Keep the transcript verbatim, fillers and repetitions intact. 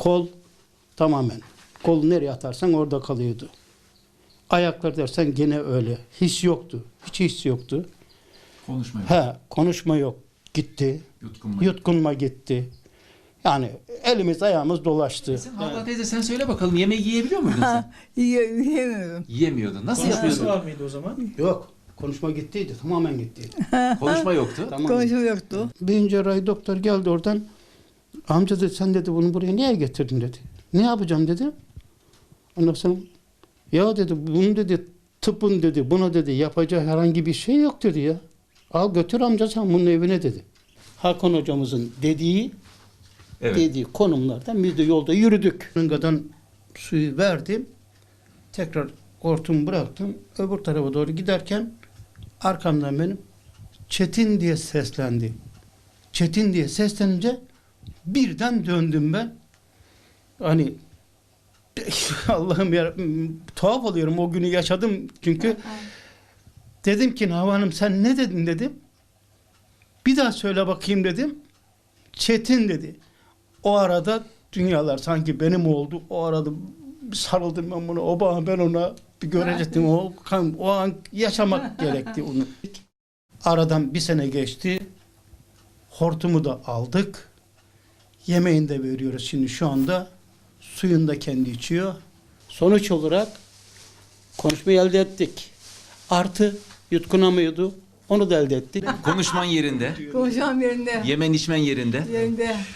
Kol tamamen. Kolu nereye atarsan orada kalıyordu. Ayaklar dersen gene öyle. His yoktu. Hiç his yoktu. Konuşma yok. He, konuşma yok. Gitti. Yutkunma. Yutkunma gitti. Yani elimiz ayağımız dolaştı. Sen Havva teyze sen söyle bakalım, yemeği yiyebiliyor muydun sen? Yiye- Yiyemiyorum. Yiyemiyordun. Nasıl Konuşması yapıyordun? var mıydı o zaman? Yok. Konuşma gittiydi. Tamamen gittiydi. Konuşma yoktu. Tamam. Konuşma yoktu. Beyin cerrahi doktor geldi oradan. Amca dedi sen dedi bunu buraya niye getirdin dedi. Ne yapacağım dedi. Ondan sonra ya dedi bunu dedi tıbbın dedi buna dedi yapacağı herhangi bir şey yok dedi ya. Al götür amca sen bunun evine dedi. Hakan hocamızın dediği Evet. dediği konumlardan biz de yolda yürüdük. Rıngadan suyu verdim. Tekrar hortumu bıraktım. Öbür tarafa doğru giderken arkamdan benim Çetin diye seslendi. Çetin diye seslenince birden döndüm ben. Hani Allah'ım ya tuhaf oluyorum o günü yaşadım çünkü dedim ki Hava Hanım sen ne dedin dedim. Bir daha söyle bakayım dedim. Çetin dedi. O arada dünyalar sanki benim oldu. O arada sarıldım ben buna. O bana ben ona bir görecektim. O, o an yaşamak gerekti onu. Aradan bir sene geçti. Hortumu da aldık. Yemeğini de veriyoruz şimdi şu anda. Suyunu da kendi içiyor. Sonuç olarak konuşmayı elde ettik. Artı yutkunamıyordu. Onu da elde ettik. Konuşman yerinde. Konuşmam yerinde. Yemen içmen yerinde. Yerinde.